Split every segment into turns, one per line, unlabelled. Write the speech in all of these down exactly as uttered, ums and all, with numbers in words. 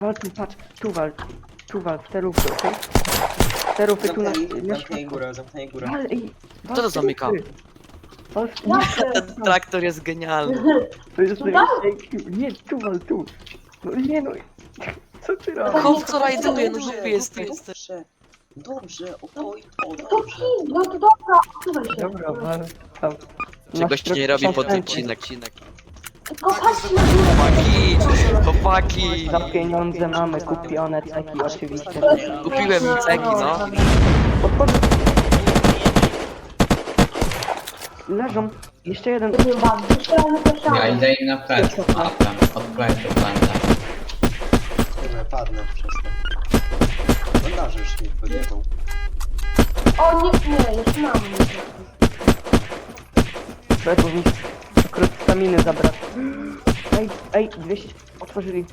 Wal tu, patrz, tu wal, tu wal, w te rufy, okej? Te rufy tu na...
Zamknęli,
na
zamknęli górę, zamknęli górę.
Wal, ej, wal
Kto to
w te
zamyka?
rufy. Wal w...
Ten traktor jest genialny.
To jest
Tutaj?
najlepszy. Nie, tu wal, tu. No nie no, co ty robisz?
Chłop co rajduje, no głupie jesteś.
Dobrze, dobrze, oj, o,
To
dobrze.
pij, no to dobra, słuchaj się.
Dobra, wal, tam.
Czegoś ci nie robi pod odcinek.
Tylko patrz na górę.
Chłopaki, chłopaki.
Za pieniądze mamy kupione ceki oczywiście.
Kupiłem mi ceki, no.
Podchodź. Leżą. Jeszcze jeden.
Nie bawi, jeszcze raz na
Ja
ścianę.
idę im na plecy, matem, od plecy będę.
Kurde, padnę przez to. Bandaży już mi podjechał.
O nie, nie, jeszcze na mnie.
Trzeba mi akurat staminy zabrać. Ej, ej, dwieście. Otworzyli.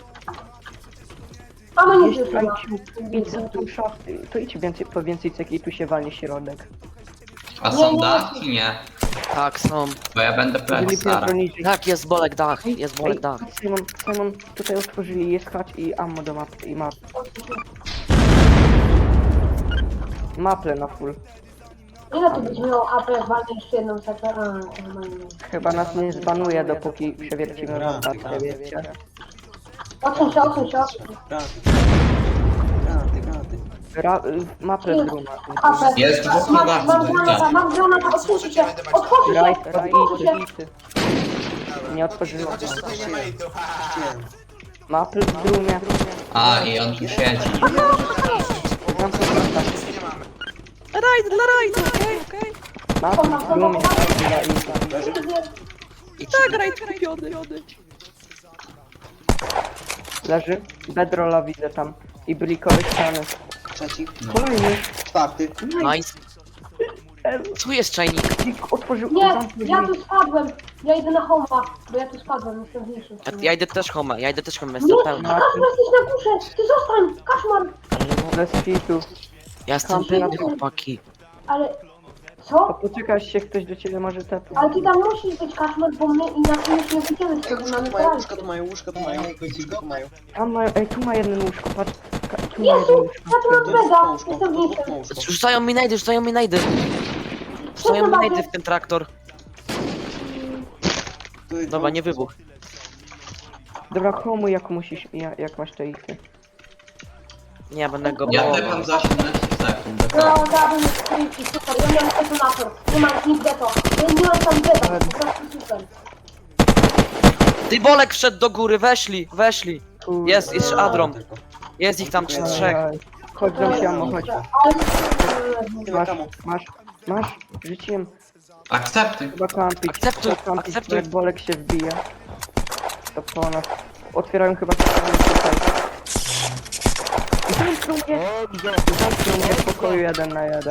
A no nie
Jeszcze
życzyła.
IQ. Idź za tą szafę. To idź więcej, po więcej ceki i tu się walnie środek.
A są dachki? Nie.
Tak, są.
Bo ja będę plecy
Jeżeli
starał.
bronicie.
Tak, jest bolek dach, jest bolek
Ej,
dach.
Simon, Simon, tutaj otworzyli, jest hacz i ammo do mapy i map. Maple na full.
Ile tu będzie miało A P, walnę jeszcze jedną setę? A, normalnie.
Chyba nas nie zbanuje, dopóki przewiercimy rotację, wiecie.
Odsuń się, odsuń się, odsuń się.
Granaty. Granaty, granaty.
Ra y, maple z ruma.
A P.
Jest dwóch
Mam,
chyba,
mam
czy
granata,
tak?
mam granata, otwórzcie się, otwórzcie się,
Rajt,
otwórzcie się.
rajty. Nie otworzyło.
Chciałem.
Maple z rumie.
A, i on tu siedzi.
Tam są rota.
Rajd dla rajdu, okej, okej.
Maple z rumie.
Leży?
I tak rajd kupiony.
Leży. Bedrolla widzę tam. I blikowe ściany.
Trzeci.
Kolejny.
Czwarty.
Nice. Tu jest czajnik.
Otworzył.
Nie,
zamknął
ja
drzwi.
tu spadłem. Ja idę na homa, bo ja tu spadłem, jestem mniejszy.
Ja, ja idę też home, ja idę też home,
Nie,
jestem pełny.
Kaszmar, jesteś na górze! Ty zostań! Kaszmar!
Bez fitu.
Ja jestem pełny, chłopaki.
Ale...
To
Co?
poczekaj, aż się ktoś do ciebie może tepnąć.
Ale ty tam musisz być Kaszmar, bo my inaczej już nie wyjdziemy z
Ej,
tego,
łóżka
mamy
tu mają,
poradzkę.
łóżka tu mają, łóżka tu mają, łóżka tu mają.
Tam ma, ej, tu ma jeden łóżko, patrz. Ka- Tu ma
Jezu,
jeden łóżko.
ja tu mam
To jest
beda,
łóżko,
jestem
to jest
mniejszy.
łóżko.
Rzucają mi najdy, rzucają mi najdy. Rzucają mi najdy w ten traktor.
Tu jest
Dobra, nie wybuch.
Dobra, komu jak musisz, jak, jak masz te ikty?
Nie, ja będę go
Ja
bałował.
tepam za osiemnaście sekund,
No,
dokładnie.
dałbym mi skryjki, super, ja miałem detonator. Nie mam nigdy to. Ja nie mam tam beda, po prostu super.
Ty bolek wszedł do góry, weszli, weszli.
Kurde.
Jest, jest Adrom.
Tylko.
Jest ich tam trzy- trzech.
Ej, Chodź do siamo, chodź.
Ale...
Tyle
Masz,
kamo.
masz, masz, rzuciłem.
Akceptuj.
Chyba kampić.
Akceptuj,
Trzeba kampić,
akceptuj.
jak bolek się wbije. To po nas. Otwierają chyba ściany tutaj. Zamknął mnie! Zamknął mnie w pokoju jeden na jeden.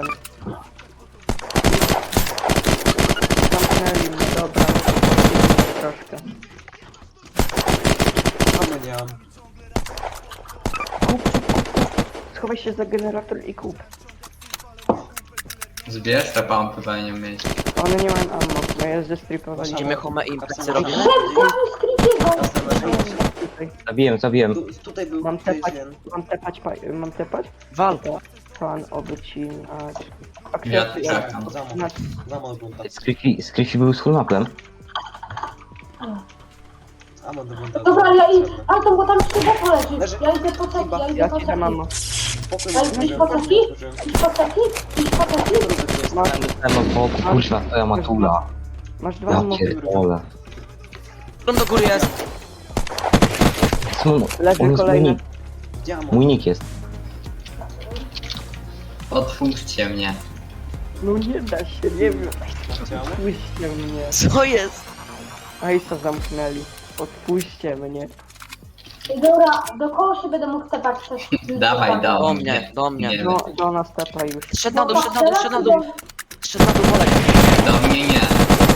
Zamknęli mnie, dobra. Troszkę.
Kamo nie mam.
Kup, kup, kup, kup. Schowaj się za generator i kup.
Zbierz te pompy, powinien mieć.
One nie mają ammo, bo je zestripowali.
Idziemy home i imprezy
Kapsel.
robimy.
Szef, zabił skrypiego!
Tutaj.
Zabiłem, zabiłem.
Tu, tutaj był,
Mam
tutaj jest
tepać,
jeden.
mam tepać, pa- mam tepać?
Wal.
Pan obycinać.
Ja
Akceptuj.
czekam.
Zamok,
Znaczy,
zamok bunta.
Skryfi, skryfi był z fullmaplem.
Zamok do bunta.
Dobra, ja idę, ale to bo tam jeszcze boku leży.
Leży.
Ja idę po ceki, ja idę
ja
po
ci
ceki.
dam ammo.
Pokój
Ale
mi
idź po ceki? Idź po ceki? Idź po ceki?
Masz,
Ten od boku, kurwa, twoja matula.
masz dwa
Ja
ammo.
pierdolę.
Którą do góry jest?
Smul,
Leży
on jest mój
kolejny.
nick.
Diamo.
Mój nick jest.
Otwórzcie mnie.
No nie da się, nie wiem.
Diamo.
Odpuśćcie mnie.
Co jest?
Ej, co zamknęli. Odpuśćcie mnie.
I dobra, do koło się będę mógł tepać też.
Dawaj,
Do
dawaj.
mnie, do mnie.
Nie,
Do, do nas tepa już.
Szedł na dół, szedł na dół, szedł na dół. Szedł na dół bolek.
do mnie nie.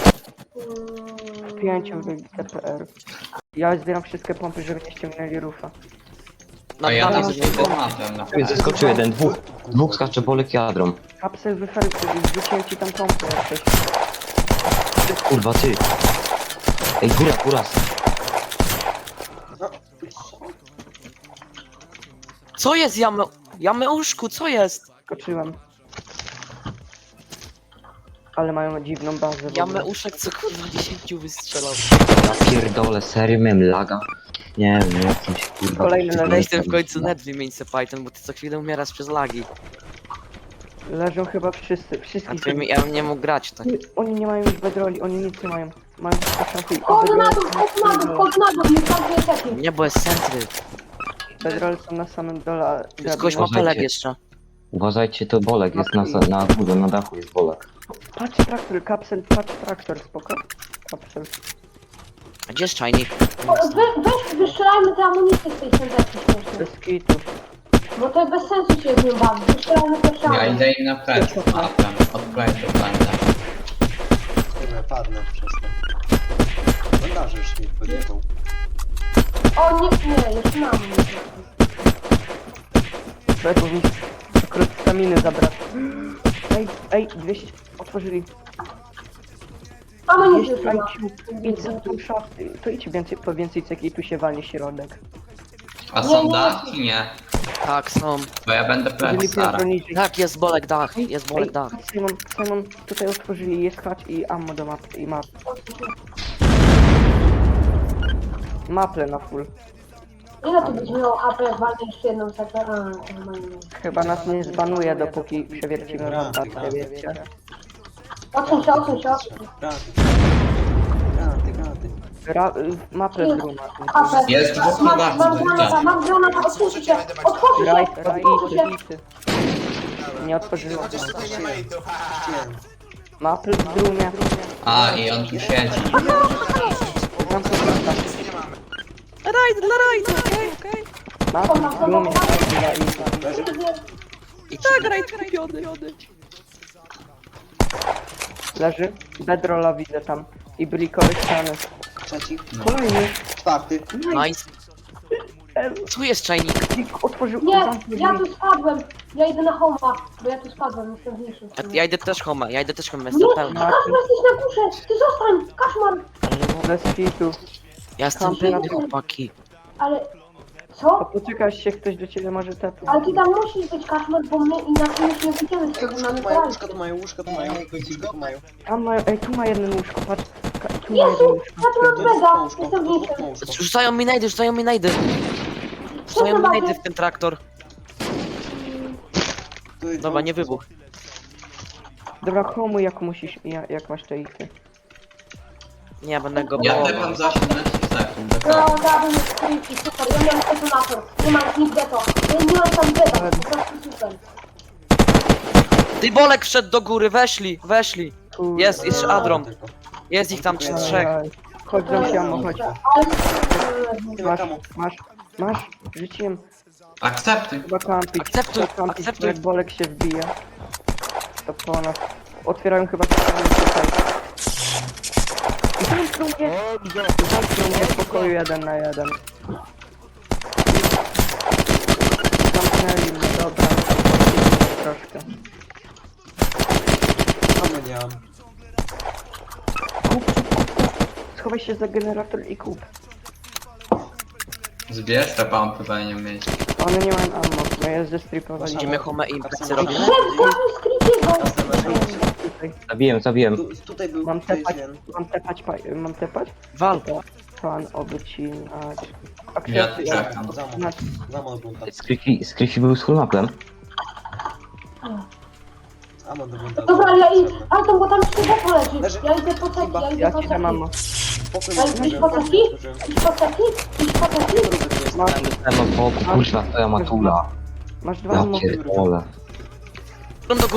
Pięciu wybić T P R. Ja zbieram wszystkie pompy, żeby nie ściągnęli rufa.
Na
A ja
dół
to
jest
z formatem na
Ej, Zeskoczył jeden, dwóch. Dwóch skacze bolek jadrą.
Kapsel wyfer... Wrzuciłem ci tam pompę jakieś.
Ty, kurwa, ty. Ej, góra, góra.
No.
Co jest jame... Jameuszku, co jest?
Skoczyłem. Ale mają dziwną bazę. w ogóle.
Jameuszek co kurwa dziesięciu wystrzelał.
Ja pierdolę, serio miałem laga? Nie wiem, jakimś kurwa...
Kolejny na
Weź ten w końcu net wymień se Python, bo ty co chwilę umierasz przez lagi.
Leżą chyba wszyscy,
A
wszystkich.
ty mi, ja bym nie mógł grać tak.
Oni nie mają już bedroli, oni nic nie mają. Mają tylko szafy i
Chodź na dół, chodź na dół, chodź na dół, nie każdy taki.
Nie, bo jest centry.
bedrole są na samym dole. a
Jest gość ma
Uważajcie.
peleg jeszcze.
Uważajcie, to bolek jest na, na górze, na dachu jest bolek.
Patrz traktor, kapsel, patrz traktor, spoko. Kapsel.
A gdzie jest czajnik?
O, Wy, weź, wystrzelajmy te amunicje z tej sędzeczki śmiesznej.
Bez kitu.
Bo to bez sensu się z nią bawić. Wystrzelajmy pierwsze
Ja
amunicje.
idę im na plecy. A tam, od plecy będę.
Kurwa, padnę przez to. Bandaży już mi podjechał.
O nie, nie, jeszcze na amunicję.
Bo mi krót staminy zabrać. Ej, ej, dwieście otworzyli.
Amunicję
Jest
trzeba.
I Q, idź za tą szafę. To idź więcej, po więcej ceki i tu się walnie środek.
A
Nie,
są
nie.
dachy? Nie.
Tak, są.
Bo ja będę plecy
Jeżeli
stara.
bronić.
Tak, jest bolek dach, jest bolek
Ej,
dach.
Simon, Simon, tutaj otworzyli, jest hacz i ammo do map i map. Maple na full.
Ile tu będzie miało H P, jak walnę jeszcze jedną sekę? A, normalnie.
Chyba nas nie zbanuje, dopóki przewiercimy rotatkę, wiecie.
Odsuń się, odsuń się, odsuń się.
Granaty. Granaty, granaty.
Ra y, maple z ruma.
H P.
Jest dwóch
Mam,
chyba,
mam
dwóch,
granata,
tak.
mam granata, otwórzcie się, otwórzcie się,
Raj,
otwórzcie się.
rajty, Nie otworzyłem.
Chciałem.
Maple z rumia.
A, i on tu siedzi.
Mam to wracać.
Rajd, dla rajdu, okej, okej.
Maple z rumia.
I tak rajd kupiony.
Leży. Bedrolla widzę tam. I brikowe ściany.
Trzeci.
Kolejny.
Czwarty.
Nice. Tu jest czajnik.
Otworzył.
Nie,
zamknął
ja
drzwi.
tu spadłem. Ja idę na homa, bo ja tu spadłem, jestem niższy.
A ja idę też home, ja idę też home, jestem
Nie,
pełny.
Kaszmar, jesteś na górze! Ty zostań! Kaszmar!
Bez kitu.
Ja jestem pełny, chłopaki.
Ale...
To
Co?
poczekaj się, ktoś do ciebie może tepnąć.
Ale ty tam musisz być Kaszmar, bo my inaczej już nie wyjdziemy z tego,
Łóżka
mamy
tu mają,
kraj.
łóżka tu mają, łóżka tu mają. Łóżka tu mają.
Tam ma, ej, tu ma jedno łóżko, patrz. Ka- Tu ma jedno
Jezu!
łóżko.
Ja tu mam
To jest
mega!
łóżko,
Jestem
to jest
niższy.
łóżko.
Rzucają mi najdy, rzucają mi najdy. Rzucają mi najdy w ten traktor.
Tu jest
Dobra, nie
łóżko.
wybuch.
Dobra, komu jak musisz, ja, jak masz te ich.
Nie, będę go
Ja
bołował.
tepam za osiemnaście sekund.
No,
dokładnie.
dałbym skryjki, super. Ja miałem detonator. Nie mam nigdzie to. Ja nie mam tam beta, po prostu super.
Ty bolek wszedł do góry, weszli, weszli.
Kurde.
Jest, jest Adrom.
Tylko.
Jest ich tam trzy, trzech.
Ej, Chodź do siamo, chodź.
Ale...
Ty
Masz,
kamo.
masz, masz, rzuciłem
Akceptuj.
chyba kampić.
Akceptuj,
Chyba kampić,
akceptuj.
jak bolek się wbija. To po nas. Otwierają chyba ściany tutaj. I zamknął mnie, zamknął mnie w pokoju jeden na jeden. Zamknęli mnie, dobra. Troszkę.
Kamo nie mam.
Kup, kup, kup, kup. Schowaj się za generator i kup.
Zbierz te pompy, powinien mieć.
One nie mają ammo, bo je zestripowali.
Idziemy home i imprezy robimy.
Szef, zabił skryjkiego!
Tutaj.
Zabiłem, zabiłem.
Tu, tutaj był,
Mam
tu jest
tepać,
jeden.
mam tepać, pa- mam tepać?
Wal.
Pan obycinać.
Ja
Akceptuj,
czekam.
Zamok.
Masz-
Zamok bunta.
Skryfi, Skryfi był z fullmaplem.
Amok do bunta.
Dobra, ja i... Ale to bo tam skrzydło poleci.
Leży.
Ja idę po ceki, ja idę
Ja
po
ci
ceki.
dam ammo.
Pokój
Ale
otworzyłem,
iść po
pokój
ceki?
otworzyłem.
Iść po ceki? Iść po ceki?
Drugi tu jest.
Masz,
Ten od boku, kurwa, twoja matula.
masz dwa
Ja
ammo.
pierdolę.
Do góry.